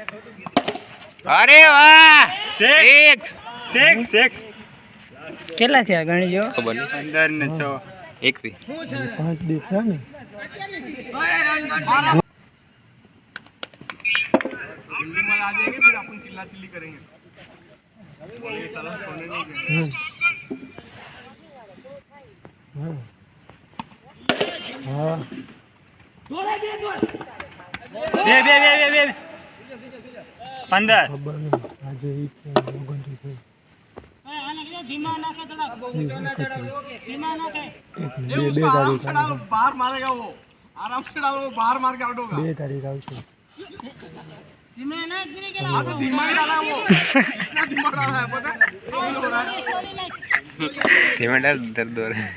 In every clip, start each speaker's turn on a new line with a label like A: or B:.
A: अरे वाह, six six six
B: કેટલા થયા ગણી જો
A: ખબર નહીં 15 ને 6 21
B: 5 દિવસ છે ને
C: जल्दी मार आ जाएंगे फिर अपन चिल्ला चिल्ली करेंगे ये साला सोने नहीं देंगे
B: हां
C: दे दे दे दे दे 15
B: ખબર નહીં આજે ઈ
C: धीमा नाखे थोड़ा धीमा नाखे
B: બે તારીખ
C: बाहर मारेगा वो आराम से डालो बाहर मार के आउट होगा
B: 2 તારીખ આવશે
C: धीमा ना गिरे के हां तो धीमा ही डाला वो इतना धीमा डाला है पता फील हो रहा है
A: धीमा डाल दर्द हो रहा है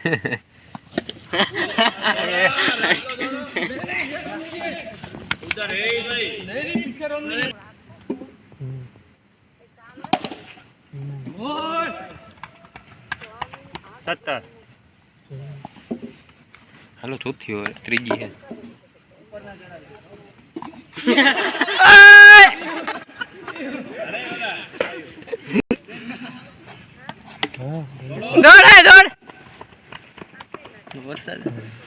A: उधर है भाई नहीं पीछे रहो
C: 70
A: हेलो चौथी हो त्रीजी है
B: દોડ હે દોડ
A: वरसाद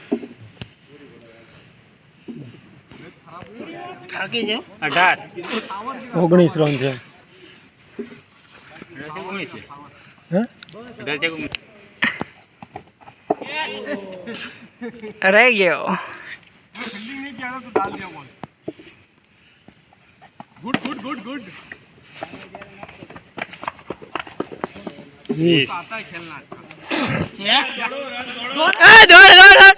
B: થાકી જાવ
C: 18
B: 19 રન છે હે रह गयो
C: फील्डिंग नहीं किया तो डाल दिया ball good good good good
B: जी
C: आता है खेलना
B: दौड़ दौड़ दौड़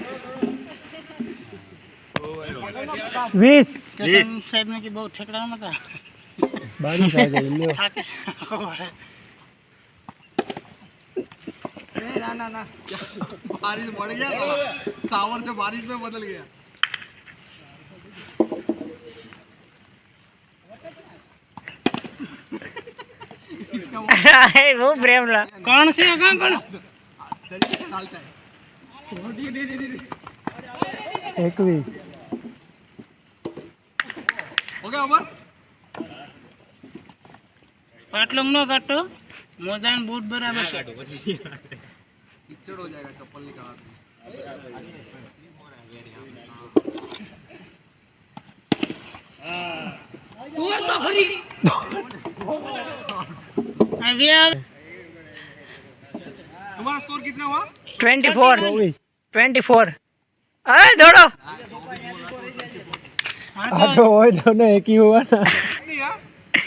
B: 20
C: साहब ने की बहुत ठेकड़ा मत
B: बारिश आ गई लो ना ना
C: बारिश बढ़ गया तो सावर से बारिश में बदल गया
B: वो प्रेम ला कौन से कौन कौन
C: तरीके से डालता है
B: एक भी
C: हो गया ओवर
B: पाटलोंग नो काटो मोजान बूट बराबर से
C: कीचड़ हो जाएगा चप्पल निकाल
B: दूर तो खरी अभी
C: तुम्हारा स्कोर कितना हुआ
B: 24 अरे दौड़ो हाँ तो वो दोनों एक ही हुआ ना
C: नहीं यार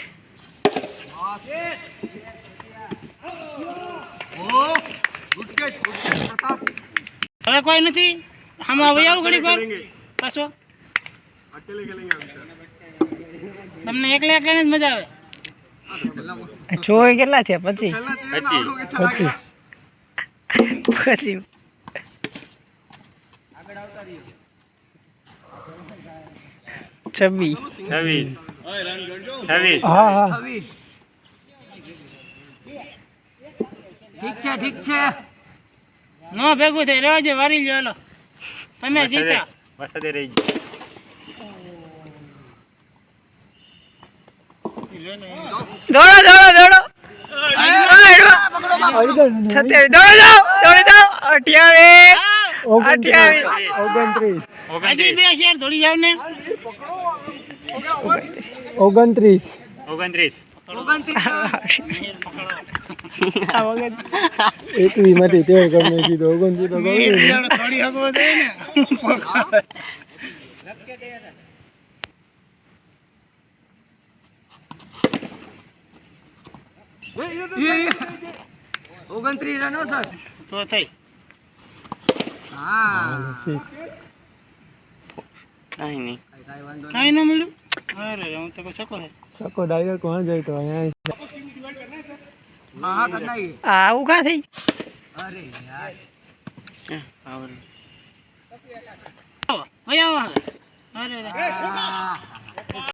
B: હવે કોઈ નથી આમાં હવે આવું ઘડી પર પાછો
C: अकेले खेलेंगे
B: તમને એકલા એકલા જ મજા આવે ચોય કેટલા થયા પછી
C: खेलना चाहिए ना आउट हो के चला गया
B: પછી छब्बीस
A: 26
B: हाँ हाँ ઠીક છે નો ભેગું થઈ રહેવા દે વારી લ્યો હાલો તમે જીતા
A: વરસાદે રહી
B: દોડો દોડો દોડો 27 દોડો જાઓ 28 હજી બે શેર દોડી જાવ ને
A: 29
B: એક વી માટે તે ગમે કીધો 29 તો ગમે
C: थोड़ी हगो दे ने ये
B: 29 રનો સર તો થઈ હા
A: કાઈ નહીં
B: કાઈ ન મળ્યું અરે હું તો સકો હે સકો ડાયરેક્ટ કોણ જાય તો અહીંયા હા કરના આવું કા થઈ અરે યાર
A: આવર
B: ભયા અરે